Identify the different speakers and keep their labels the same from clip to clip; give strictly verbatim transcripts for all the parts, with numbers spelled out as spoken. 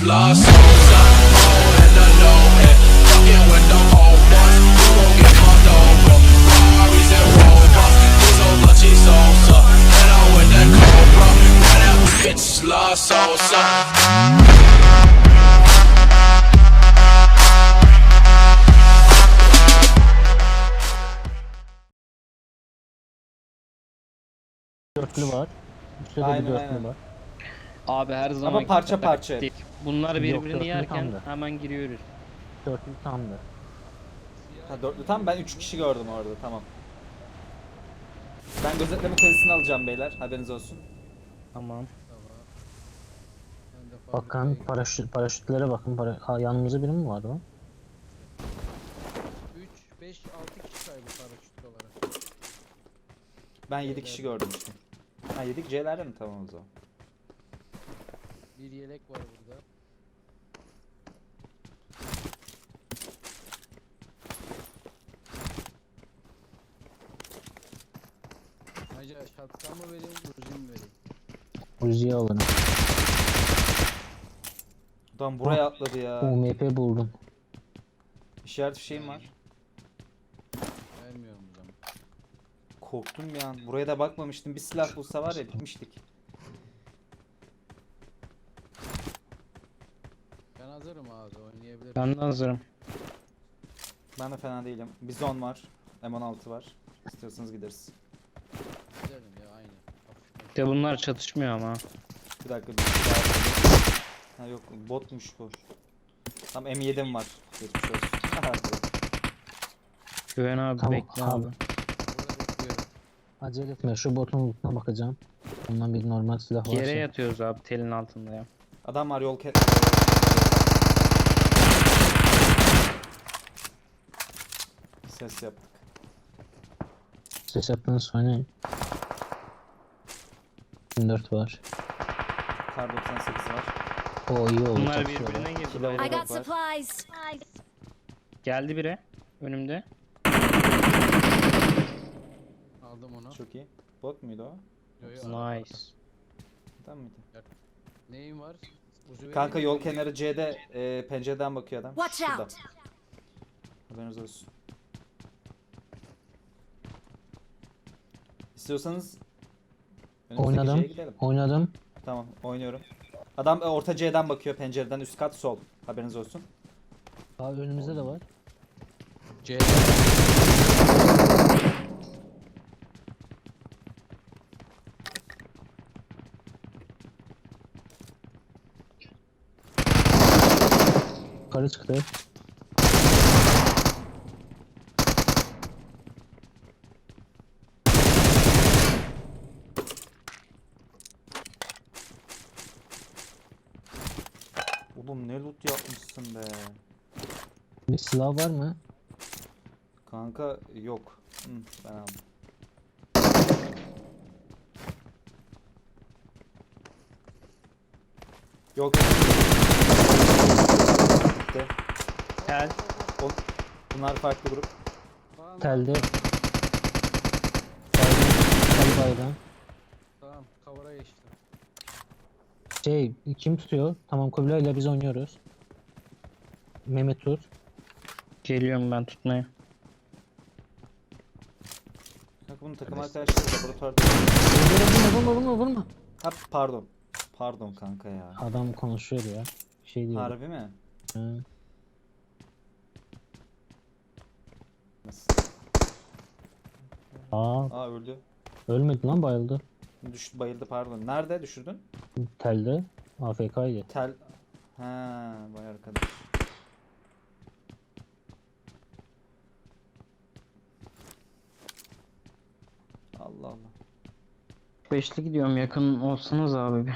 Speaker 1: lost souls. I'm in the low end, fucking with the old ones. You gon' get fucked over. Ferraris and Rovers, these old lucky souls. And I'm with that Cobra, now that bitch lost souls.
Speaker 2: Dörtlü var. Üstte de bir
Speaker 3: Aynen,
Speaker 2: dörtlü
Speaker 3: aynen.
Speaker 2: var.
Speaker 4: Abi her zaman
Speaker 3: parça parça.
Speaker 4: Bunlar
Speaker 2: Yok,
Speaker 4: birbirini
Speaker 2: dörtlü
Speaker 4: yerken
Speaker 2: tamdı.
Speaker 4: hemen giriyoruz.
Speaker 2: Dörtlü tamdı.
Speaker 3: Ha dörtlü tam ben üç kişi gördüm orada tamam. Ben gözetleme kulesini alacağım beyler haberiniz olsun.
Speaker 4: Tamam.
Speaker 2: Bakın paraşüt, paraşütlere bakın. Para... Ha, yanımızda biri mi var lan?
Speaker 5: üç, beş, altı kişi saydı paraşüt olarak.
Speaker 3: Ben yedi kişi gördüm işte. Ha yedi C'lerde mi tamam o zaman.
Speaker 5: Bir yelek var burada. Acaba şapka mı vereyim, uzun mu vereyim?
Speaker 2: Uzi'yi alın.
Speaker 3: Adam buraya atladı ya.
Speaker 2: U M P buldum.
Speaker 3: İşaret fişeğim var.
Speaker 5: Vermiyorum o zaman.
Speaker 3: Korktum bir an. Buraya da bakmamıştım. Bir silah bulsa var ya bitmiştik.
Speaker 5: Ben hazırım abi, oynayabilirim.
Speaker 4: Ben de hazırım.
Speaker 3: Ben de fena değilim. Bizon var. M on altı var. İstiyorsanız gideriz.
Speaker 5: Gidelim ya, aynı. Hafif.
Speaker 4: De bunlar çatışmıyor ama.
Speaker 3: Bir dakika. Bir ha yok botmuş bu. Tam M yedi'm var. Geçmiş olsun.
Speaker 4: Güven abi
Speaker 2: Tamam
Speaker 4: bekle abi.
Speaker 2: abi.
Speaker 5: Burada bekliyorum.
Speaker 2: Acele etme. Şu botun lootuna bakacağım. Ondan bir normal silah varsa.
Speaker 4: Yere yatıyoruz abi telin altında ya.
Speaker 3: Adam var yol ke... Ses yaptık.
Speaker 2: Ses yaptığınız oynayın. yirmi dört var.
Speaker 3: Kar doksan sekiz var.
Speaker 2: O iyi oldu.
Speaker 4: Bunlar
Speaker 2: çatışıyorlar.
Speaker 4: birbirine girdi.
Speaker 3: Kilo
Speaker 4: bayağı.
Speaker 6: I got
Speaker 3: var.
Speaker 6: supplies.
Speaker 4: Geldi biri önümde.
Speaker 5: Aldım onu.
Speaker 3: Çok iyi. Bot muydu o?
Speaker 5: Yo, yo,
Speaker 4: Nice.
Speaker 3: Tam mıydı?
Speaker 5: Neyim var? Uzu
Speaker 3: Kanka
Speaker 5: vereyim
Speaker 3: yol
Speaker 5: mi?
Speaker 3: kenarı C'de e, pencereden bakıyor adam.
Speaker 6: Watch
Speaker 3: Şurada.
Speaker 6: out.
Speaker 3: Haberiniz olsun. İstiyorsanız önümüzdeki
Speaker 2: Oynadım.
Speaker 3: C'ye gidelim.
Speaker 2: Oynadım.
Speaker 3: Tamam oynuyorum. Adam e, orta C'den bakıyor pencereden üst kat sol. Haberiniz olsun.
Speaker 2: Abi önümüzde de var.
Speaker 5: C.
Speaker 2: Yukarı çıktı.
Speaker 3: Oğlum ne loot yapmışsın be.
Speaker 2: Bir silah var mı?
Speaker 3: Kanka yok. Hı, ben aldım. Yok. Bitti.
Speaker 4: Gel.
Speaker 3: O- Bunlar farklı grup.
Speaker 5: Tamam,
Speaker 2: Telde. Tel bayrağı.
Speaker 5: tamam, kavara geçtim.
Speaker 2: Şey kim tutuyor? Tamam Kubilay ile biz oynuyoruz. Mehmet tut.
Speaker 4: Geliyorum ben tutmaya.
Speaker 3: Kanka bunun takım arkadaşları laboratuvarda.
Speaker 2: Vurma vurma vurma vurma.
Speaker 3: Ha pardon. Pardon kanka ya.
Speaker 2: Adam konuşuyor ya. Şey diyor.
Speaker 3: Harbi mi?
Speaker 2: Hı.
Speaker 3: Nasıl?
Speaker 2: Aa
Speaker 3: Aa öldü.
Speaker 2: ölmedi lan bayıldı.
Speaker 3: Düştü bayıldı pardon. Nerede düşürdün?
Speaker 2: Telde. A F K'ydı.
Speaker 3: Tel. Ha, vay arkadaş. Allah Allah.
Speaker 4: Beşli gidiyorum yakın olsanız abi bir.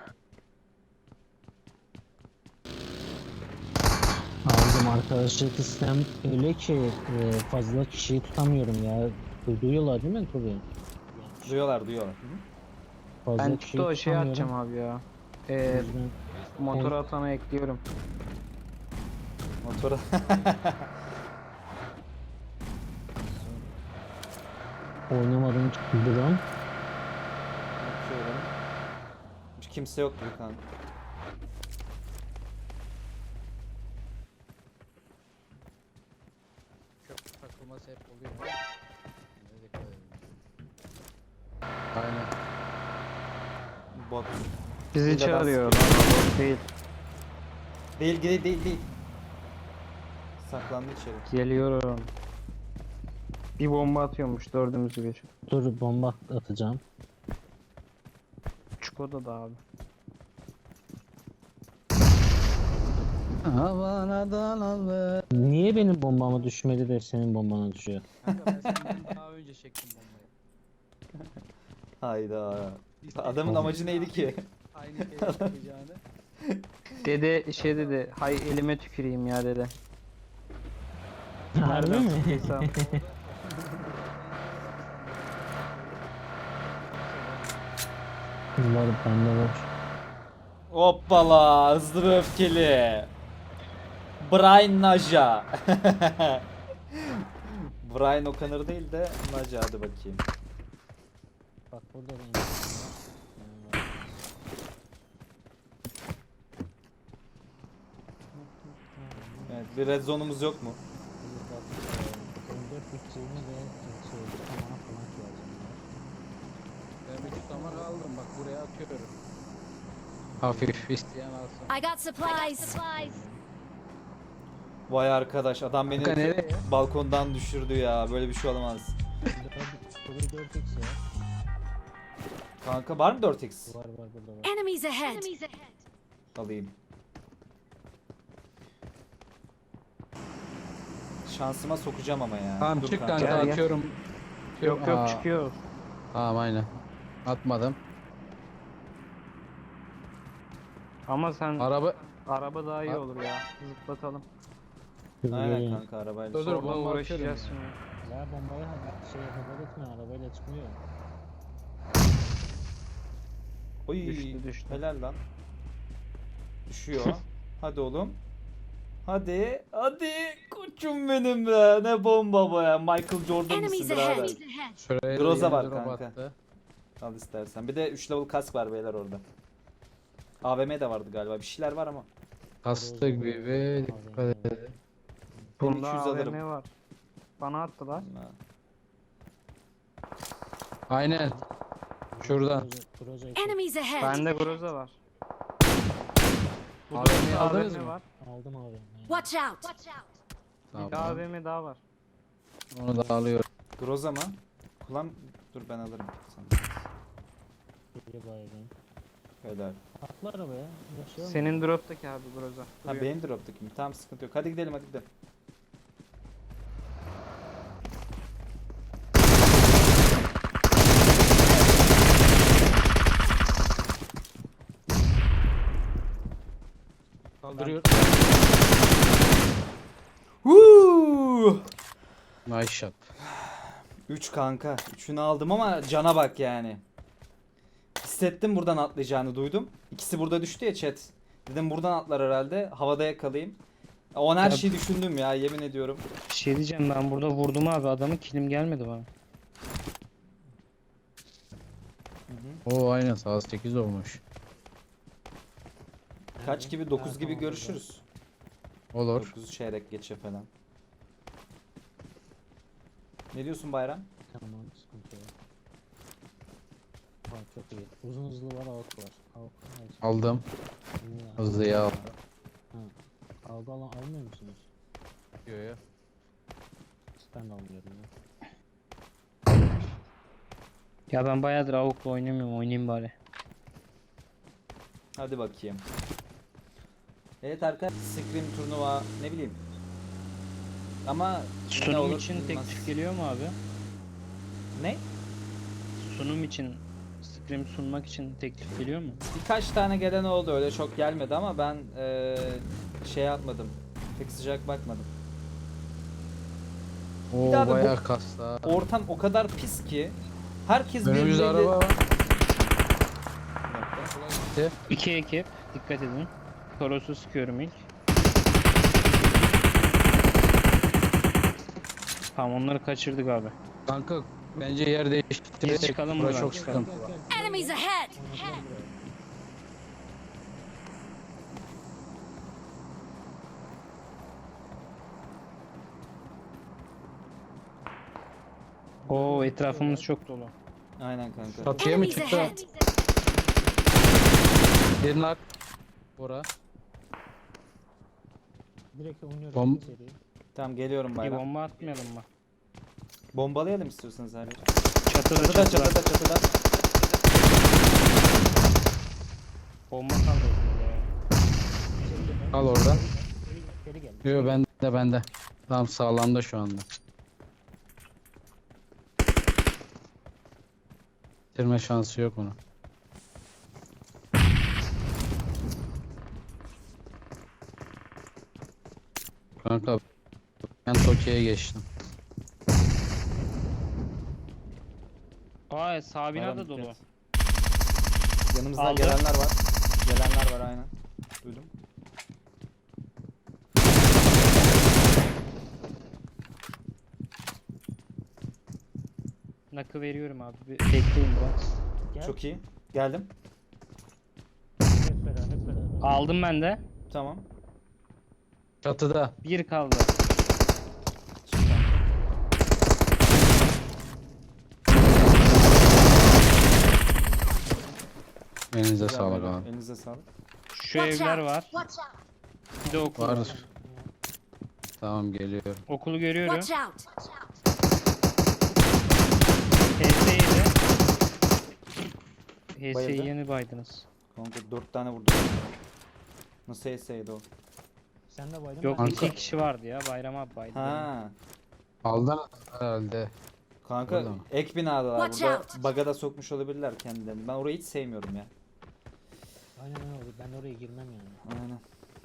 Speaker 2: Aldım arkadaşlık sistem öyle ki e, fazla kişiyi tutamıyorum ya. Duyuyorlar değil mi Tobi?
Speaker 3: Duyuyorlar duyuyorlar. Hı hı.
Speaker 2: Fazla
Speaker 4: Ben
Speaker 2: kişiyi
Speaker 4: tuttu o şey
Speaker 2: tutamıyorum.
Speaker 4: atacağım abi ya.
Speaker 2: O
Speaker 4: Ee,
Speaker 2: yüzden
Speaker 4: motora atana ekliyorum.
Speaker 3: Motora.
Speaker 2: oynamadım drone.
Speaker 3: Bakıyorum. Hiç kimse yok gibi kanka. Bot.
Speaker 4: Bizi
Speaker 3: Bir de
Speaker 4: çağırıyor.
Speaker 3: bas.
Speaker 4: Lan, bot değil.
Speaker 3: Değil değil değil değil. Saklandı içeri.
Speaker 4: Geliyorum. Bir bomba atıyormuş dördümüzü bir.
Speaker 2: Dur bomba atacağım.
Speaker 4: Çukoda da abi.
Speaker 5: Havana dalalı.
Speaker 2: Niye benim bombama düşmedi de senin bombana düşüyor?
Speaker 5: Kanka ben senden daha önce çektim bombayı.
Speaker 3: Hayda.
Speaker 5: İstedim.
Speaker 3: Adamın amacı neydi ki?
Speaker 5: Aynı şeyi yapacağını.
Speaker 4: Dede şey dedi. Hay elime tüküreyim ya dede.
Speaker 2: Harbi
Speaker 4: Nereden
Speaker 2: mi?
Speaker 4: sıktıysa.
Speaker 2: Var bende var.
Speaker 3: Hoppala hızlı ve öfkeli. Brian Naja. Brian O'Connor değil de Naja, hadi bakayım.
Speaker 2: Bak burada da insan var.
Speaker 3: Evet, bir red zone'umuz yok mu?
Speaker 2: on dört bütçeğini ve şey tamam falan ihtiyacım var.
Speaker 5: Ben bir tutama kaldım. Bak buraya atıyorum.
Speaker 4: Hafif.
Speaker 5: İsteyen alsın.
Speaker 6: I got supplies.
Speaker 3: Vay arkadaş, adam beni
Speaker 4: Kanka nereye?
Speaker 3: balkondan düşürdü ya. Böyle bir şey olamaz.
Speaker 2: Burada dört x ya.
Speaker 3: Kanka var mı dört x?
Speaker 2: Var var burada var.
Speaker 6: Enemies ahead.
Speaker 3: Alayım. Şansıma sokacağım ama ya.
Speaker 5: Tamam
Speaker 3: Dur
Speaker 5: çık kanka,
Speaker 4: Gel, gel.
Speaker 5: atıyorum.
Speaker 4: Yok yok
Speaker 5: Aa,
Speaker 4: çıkıyor.
Speaker 5: Tamam aynen. Atmadım.
Speaker 4: Ama sen
Speaker 5: Araba
Speaker 4: araba daha iyi olur ya. Zıplatalım.
Speaker 3: Aynen kanka, arabayla.
Speaker 5: Dur, dur.
Speaker 4: Sonra
Speaker 5: bomba
Speaker 4: uğraşacağız
Speaker 5: atıyorum
Speaker 4: şimdi.
Speaker 2: Ya bombayı ha- şey haber etme arabayla çıkmıyor.
Speaker 3: Oy,
Speaker 4: Düştü, düştü.
Speaker 3: helal lan. Düşüyor. Hadi oğlum. Hadi, hadi koçum benim be. Ne bomba bu ya. Michael Jordan
Speaker 6: Enemies
Speaker 3: mısın birader?
Speaker 6: ahead.
Speaker 5: Şuraya da
Speaker 3: Groza
Speaker 5: yeni
Speaker 3: var
Speaker 5: drop
Speaker 3: kanka.
Speaker 5: attı.
Speaker 3: Al istersen. Bir de üç level kask var beyler orada. A V M de vardı galiba. Bir şeyler var ama.
Speaker 5: Kastı gibi dikkat edin.
Speaker 3: Ben
Speaker 4: Bunda
Speaker 3: iki yüz
Speaker 4: A V
Speaker 3: alırım.
Speaker 4: M var. Bana attılar.
Speaker 3: Ha.
Speaker 5: Aynen. Şuradan.
Speaker 2: Proje, proje iki.
Speaker 6: Enemies ahead.
Speaker 4: Bende Groza var.
Speaker 5: A V M'yi
Speaker 4: A V
Speaker 5: aldınız
Speaker 4: M
Speaker 5: mı?
Speaker 4: var.
Speaker 2: Aldım abi.
Speaker 6: Watch out.
Speaker 4: Bir de
Speaker 5: Tamam.
Speaker 4: A V M daha var.
Speaker 5: Onu da alıyorum.
Speaker 3: Groza mı? Kullan. Dur ben alırım. Sen.
Speaker 2: Geri bayram.
Speaker 3: Helal.
Speaker 2: Atla arabaya. Yaşayalım.
Speaker 4: Senin drop'taki abi Groza.
Speaker 3: Ha
Speaker 4: Duruyor.
Speaker 3: benim drop'taki mi? Tamam, sıkıntı yok. Hadi gidelim, hadi gidelim.
Speaker 5: Kaldırıyor.
Speaker 3: Huu!
Speaker 5: Nice shot.
Speaker 3: üç kanka. üçünü aldım ama cana bak yani. Hissettim buradan atlayacağını, duydum. İkisi burada düştü ya chat. Dedim buradan atlar herhalde. Havada yakalayayım. O her
Speaker 4: Ya-
Speaker 3: şeyi düşündüm ya, yemin ediyorum.
Speaker 4: Bir şey diyeceğim, ben burada vurdum abi adamı, kilim gelmedi bana.
Speaker 5: Oo aynen saat sekiz olmuş.
Speaker 3: Kaç gibi? dokuz gibi görüşürüz.
Speaker 5: Olur.
Speaker 3: dokuz çeyrek geçe falan. Ne diyorsun Bayram?
Speaker 2: Tamam sıkıntı yok. Bak çok iyi. Uzun hızlı var avuk var. Avuk var.
Speaker 5: Aldım.
Speaker 2: Niye
Speaker 5: Hızlı ya.
Speaker 2: Ha. Algı alan almıyor musunuz?
Speaker 5: Yo yo.
Speaker 2: Ben de almıyorum ya.
Speaker 4: Ya ben bayağıdır avukla oynamıyorum, oynayayım bari.
Speaker 3: Hadi bakayım. Evet arkadaşlar, Scream turnuva ne bileyim. Ama ne
Speaker 4: Sunum
Speaker 3: olur,
Speaker 4: için
Speaker 3: olmaz.
Speaker 4: teklif geliyor mu abi?
Speaker 3: Ne?
Speaker 4: Sunum için, Scrim sunmak için teklif geliyor mu?
Speaker 3: Birkaç tane gelen oldu, öyle çok gelmedi ama ben eee şey yapmadım. Pek sıcak bakmadım.
Speaker 5: Oo
Speaker 3: daha da bu-
Speaker 5: bayağı kasta.
Speaker 3: Ortam o kadar pis ki herkes
Speaker 5: Önümüzde
Speaker 3: birbiriyle...
Speaker 5: araba var.
Speaker 3: Bir dakika.
Speaker 4: İki ekip, dikkat edin. Toros'u sıkıyorum ilk. Tamam, onları kaçırdık abi.
Speaker 5: Kanka bence yer değiştirerek
Speaker 4: Biz çıkalım
Speaker 5: bura
Speaker 4: buradan,
Speaker 5: çok
Speaker 4: çıkalım.
Speaker 5: sıkıntı.
Speaker 6: Enemies ahead.
Speaker 4: Oo, etrafımız çok dolu.
Speaker 3: Aynen kanka.
Speaker 5: Çatıya mı
Speaker 6: Enemies
Speaker 5: çıktı?
Speaker 6: ahead.
Speaker 5: Bir nak. Bora.
Speaker 2: Direkt oynuyorum
Speaker 5: Bom-
Speaker 2: seriyi.
Speaker 3: Tamam geliyorum
Speaker 4: Bir
Speaker 3: bayram.
Speaker 4: bomba atmayalım mı?
Speaker 3: Bombalayalım istiyorsanız her yeri.
Speaker 4: Çatıda
Speaker 3: Çatıda
Speaker 4: çatıda.
Speaker 3: çatıda çatıda.
Speaker 4: Bomba kaldırdım ya.
Speaker 2: Seri de ben.
Speaker 5: Al orada.
Speaker 2: Seri, seri geldi.
Speaker 5: Yo bende bende. Tam sağlamda şu anda. Bitirme şansı yok onun. Kanka ben Tokyo'ya geçtim.
Speaker 4: Aa sağ bina
Speaker 3: Bayram
Speaker 4: da dolu.
Speaker 3: dikkat. Yanımızdan
Speaker 4: Aldı.
Speaker 3: gelenler var. Gelenler var aynen. Duydum.
Speaker 4: Nakı veriyorum abi. Bir bekleyin biraz.
Speaker 2: Gel.
Speaker 3: Çok iyi. Geldim.
Speaker 2: Hep beraber hep beraber.
Speaker 4: Aldım ben de.
Speaker 3: Tamam.
Speaker 5: Çatıda.
Speaker 4: Bir kaldı.
Speaker 3: Çık kanka.
Speaker 5: Elinize
Speaker 3: Güzel
Speaker 5: sağlık
Speaker 3: bayram.
Speaker 5: abi.
Speaker 3: Elinize sağlık.
Speaker 4: Şu
Speaker 6: Watch
Speaker 4: evler
Speaker 6: out.
Speaker 4: var.
Speaker 6: Watch out.
Speaker 4: Bir de okul var.
Speaker 5: Var. Tamam geliyorum.
Speaker 4: Okulu görüyorum.
Speaker 6: Watch out.
Speaker 4: H S yedi. H
Speaker 3: Bayıldı.
Speaker 4: S'yi yeni baydınız.
Speaker 3: Kanka dört tane vurdum. Nasıl S A'ydı o?
Speaker 2: Sen de baydın.
Speaker 4: Yok
Speaker 2: ben de-
Speaker 5: Kanka.
Speaker 4: iki kişi vardı ya. Bayram abi baydı.
Speaker 3: Ha.
Speaker 5: Aldın herhalde.
Speaker 3: Kanka
Speaker 5: Öyle mi?
Speaker 3: ek binadalar.
Speaker 6: Watch
Speaker 3: Burada
Speaker 6: out.
Speaker 3: bug'a da sokmuş olabilirler kendilerini. Ben orayı hiç sevmiyorum ya.
Speaker 2: Aynen öyle. Ben oraya girmem yani.
Speaker 3: Aynen.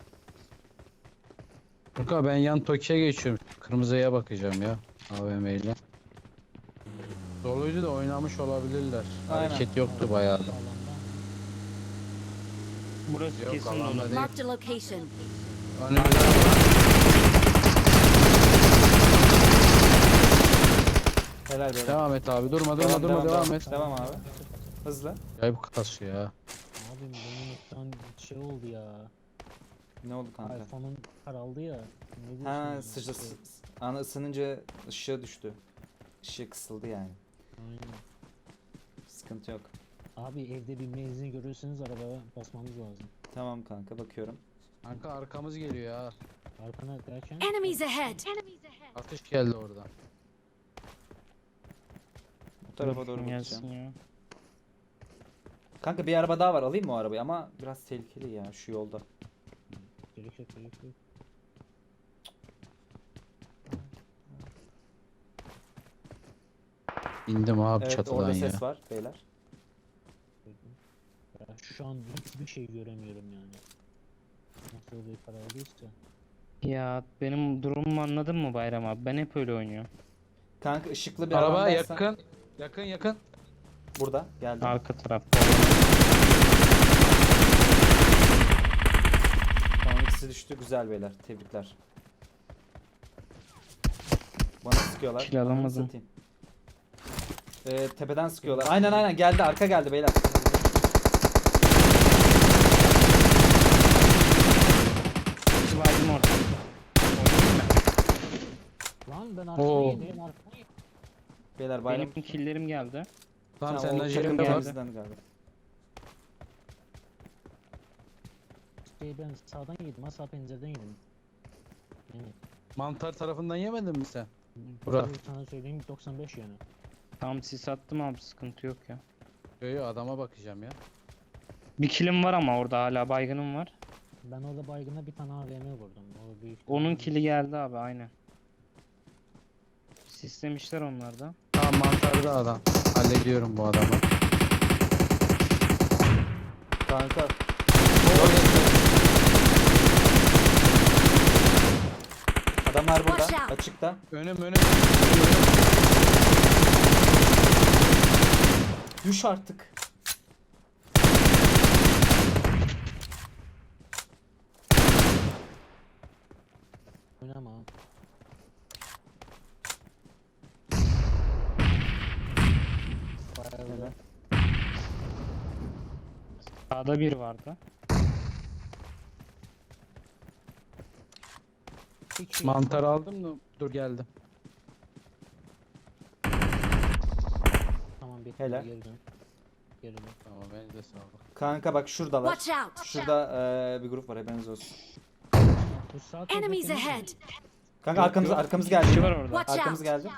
Speaker 5: Kanka ben yan Tokyo'ya geçiyorum. Kırmızıya bakacağım ya. A V M ile. Doluydu da oynamış olabilirler.
Speaker 3: Aynen.
Speaker 5: Hareket yoktu bayağı.
Speaker 2: Alanda.
Speaker 4: Burası
Speaker 5: Yok,
Speaker 4: kesin
Speaker 5: alanda
Speaker 4: dolu.
Speaker 5: değil.
Speaker 6: Marked a location.
Speaker 5: Önümüzde
Speaker 3: Helal be.
Speaker 5: devam et abi. Durma durma durma devam, et.
Speaker 3: Devam abi. Hızlı.
Speaker 5: Acayip kasıyor ya.
Speaker 2: Abim benim şu an şey oldu ya.
Speaker 3: Ne oldu kanka?
Speaker 2: iPhone'um karaldı ya. Ne
Speaker 3: Ha
Speaker 2: diyorsun?
Speaker 3: sıca ana ısınınca ışığı düştü. Işığı kısıldı yani.
Speaker 2: Aynen.
Speaker 3: Sıkıntı yok.
Speaker 2: Abi evde bir menzil görürseniz arabaya basmamız lazım.
Speaker 3: Tamam kanka bakıyorum.
Speaker 5: Kanka arkamız geliyor ya.
Speaker 2: Arkana derken
Speaker 6: Enemies ahead.
Speaker 5: Atış geldi orada.
Speaker 3: Bu tarafa
Speaker 4: Dur,
Speaker 3: doğru
Speaker 4: gelsin
Speaker 3: bakacağım.
Speaker 4: ya.
Speaker 3: Kanka bir araba daha var. Alayım mı o arabayı? Ama biraz tehlikeli ya şu yolda.
Speaker 2: gerek yok gerek yok.
Speaker 5: İndim abi
Speaker 3: Evet
Speaker 5: çatıdan
Speaker 3: orada
Speaker 5: ya.
Speaker 3: ses var beyler.
Speaker 2: Gördüm. Ya şu an hiçbir şey göremiyorum yani. Nasıl bir karaldıysa.
Speaker 4: Ya benim durumumu anladın mı Bayram abi? Ben hep öyle oynuyorum.
Speaker 3: Kanka ışıklı bir
Speaker 5: Araba
Speaker 3: arabadaysan-
Speaker 5: yakın. Yakın yakın.
Speaker 3: Burada geldi.
Speaker 4: Arka tarafta.
Speaker 3: Tamam ikisi düştü. Güzel beyler. Tebrikler. Bana sıkıyorlar.
Speaker 4: Kill
Speaker 3: Ananı
Speaker 4: alamadım.
Speaker 3: satayım. Ee, tepeden sıkıyorlar. Aynen aynen geldi. Arka geldi beyler.
Speaker 4: İki baydım orada. Oynayayım mı?
Speaker 2: Lan ben arkana
Speaker 5: Oo.
Speaker 2: yedim arkana yedim.
Speaker 3: Beyler bayram.
Speaker 4: Benim killerim geldi.
Speaker 5: Tamam
Speaker 3: Ha,
Speaker 5: senin
Speaker 3: o
Speaker 5: acelin
Speaker 3: takım
Speaker 5: de var.
Speaker 3: temizden geldi.
Speaker 2: Şey ben sağdan yedim ha sağ pencereden yedim. Yani
Speaker 5: Mantar tarafından yemedin mi sen?
Speaker 2: bu
Speaker 5: Bura.
Speaker 2: sana söyleyeyim doksan beş yani.
Speaker 4: Tam sis attım abi sıkıntı yok ya.
Speaker 5: Yo yo adama bakacağım ya.
Speaker 4: Bir killim var ama orada hala baygınım var.
Speaker 2: Ben orada baygına bir tane A V M vurdum. O büyük.
Speaker 4: Onun kili geldi abi aynen. Sistemişler onlar da.
Speaker 5: Tamam mantarda adam. Hallediyorum bu adamı.
Speaker 3: Kanka. Adamlar burada.
Speaker 6: Watch out.
Speaker 3: Açıkta.
Speaker 5: Önüm önüm.
Speaker 3: Düş artık.
Speaker 2: Oynama. Bayağı
Speaker 3: Evet.
Speaker 4: Sağda bir vardı.
Speaker 2: İki kişi-
Speaker 5: Mantar aldım da dur geldim.
Speaker 2: Tamam bekle
Speaker 3: Helal.
Speaker 2: geri dön. geride.
Speaker 5: Tamam beni de sağlık.
Speaker 3: Kanka bak şuradalar.
Speaker 6: Watch out!
Speaker 3: Şurada eee, bir grup var haberiniz olsun.
Speaker 2: Bu sağ taraftaki
Speaker 6: Enemies
Speaker 2: mi?
Speaker 6: ahead!
Speaker 3: Kanka
Speaker 4: Yok,
Speaker 3: arkamız
Speaker 4: yok.
Speaker 3: arkamız
Speaker 4: İki kişi
Speaker 3: geldi.
Speaker 4: var orada.
Speaker 6: Watch
Speaker 3: Arkamız
Speaker 6: out!
Speaker 3: geldi.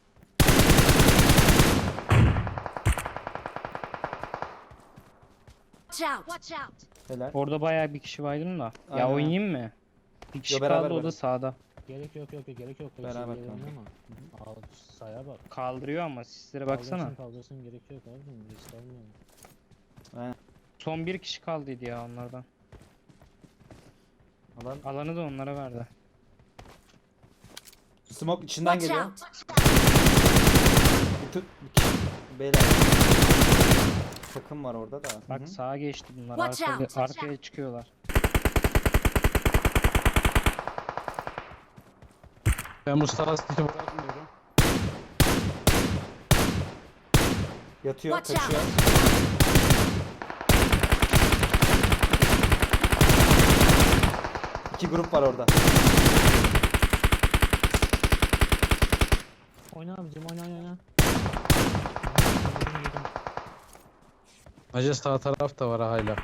Speaker 6: Watch out! Watch out!
Speaker 3: Helal.
Speaker 4: Orada bayağı bir kişi vardı da.
Speaker 3: Aynen.
Speaker 4: Ya oynayayım mı? Bir kişi
Speaker 3: Yo, beraber,
Speaker 4: kaldı o da
Speaker 3: beraber.
Speaker 4: sağda.
Speaker 2: Gerek yok yok yok gerek yok. Hepsi
Speaker 3: Beraber
Speaker 2: ileri
Speaker 3: kanka.
Speaker 2: oynama. Al saya bak.
Speaker 4: Kaldırıyor ama sislere baksana.
Speaker 2: Kaldırsın kaldırsın gerek yok abi. Risk almayalım.
Speaker 3: Aynen.
Speaker 4: Son bir kişi kaldıydı ya onlardan.
Speaker 3: Alan.
Speaker 4: Alanı da onlara verdi.
Speaker 3: Smoke içinden
Speaker 6: Watch
Speaker 3: geliyor.
Speaker 6: out!
Speaker 3: Bir tut. Bir kişi. Beyler. Takım var orada da. Hı
Speaker 4: Bak
Speaker 3: hı.
Speaker 4: sağa geçti bunlar.
Speaker 6: Watch
Speaker 4: Arkaya,
Speaker 6: out, watch
Speaker 4: arkaya çıkıyorlar.
Speaker 5: Ben Mustafa Siti bırakmıyorum.
Speaker 3: Yatıyor,
Speaker 6: Watch
Speaker 3: kaçıyor. İki grup var orada.
Speaker 2: Oyna abicim oyna oyna oyna.
Speaker 5: Hacı sağ taraf da var ha hala.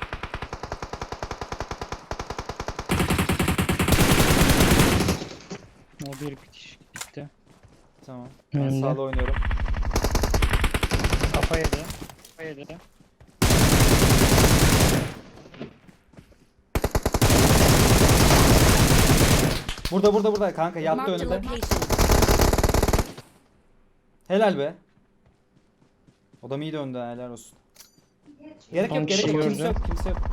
Speaker 4: O bir bitiş gitti.
Speaker 3: Tamam. Ben
Speaker 4: Önde.
Speaker 3: sağda oynuyorum.
Speaker 4: Kafa yedi. Kafa yedi.
Speaker 3: Burada burada burada kanka yattı
Speaker 6: Marked a
Speaker 3: önümde.
Speaker 6: location.
Speaker 3: Helal be. Adam iyi döndü ha, helal olsun. Gerek
Speaker 4: On
Speaker 3: yok gerek
Speaker 4: kişi
Speaker 3: yok kimse
Speaker 4: gördü.
Speaker 3: yok kimse yok.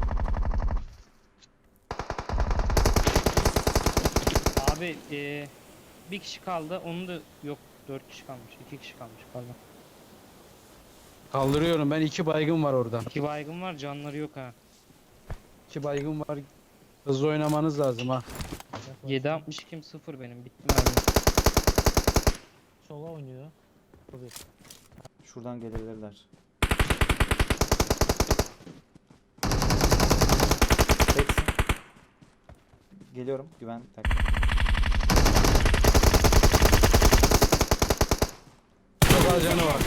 Speaker 4: Abi eee, bir kişi kaldı. Onu da yok. Dört kişi kalmış. iki kişi kalmış pardon.
Speaker 5: Kaldırıyorum ben, iki baygın var orada.
Speaker 4: İki baygın var, canları yok ha.
Speaker 5: İki baygın var. Hızlı oynamanız lazım ha.
Speaker 4: yedi altmış iki sıfır benim. Bitti mermi.
Speaker 2: Sola oynuyor. Bu bir.
Speaker 3: Şuradan gelebilirler. Teksin. Geliyorum güven. Tak.
Speaker 5: Çok az canı var.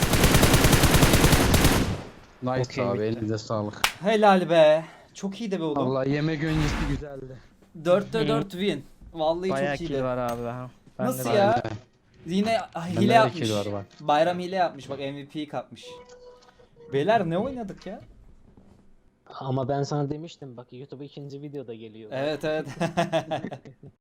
Speaker 5: Nice
Speaker 4: Okey,
Speaker 5: abi,
Speaker 4: bitti.
Speaker 5: elinize sağlık.
Speaker 3: Helal be. Çok iyiydi be oğlum.
Speaker 5: Allah yemek öncesi güzeldi.
Speaker 3: dörtte
Speaker 4: Hı.
Speaker 3: dört win. Vallahi
Speaker 4: Bayağı
Speaker 3: çok
Speaker 4: kill
Speaker 3: iyiydi.
Speaker 4: var abi ha. Ben
Speaker 3: Nasıl
Speaker 4: de
Speaker 3: ya?
Speaker 4: bayağı-
Speaker 3: Yine
Speaker 5: Bende
Speaker 3: hile
Speaker 5: de
Speaker 3: yapmış.
Speaker 5: kill var bak.
Speaker 3: Bayram hile yapmış bak M V P'yi kapmış. Beyler ne oynadık ya?
Speaker 2: Ama ben sana demiştim bak YouTube ikinci videoda geliyor.
Speaker 3: Evet evet.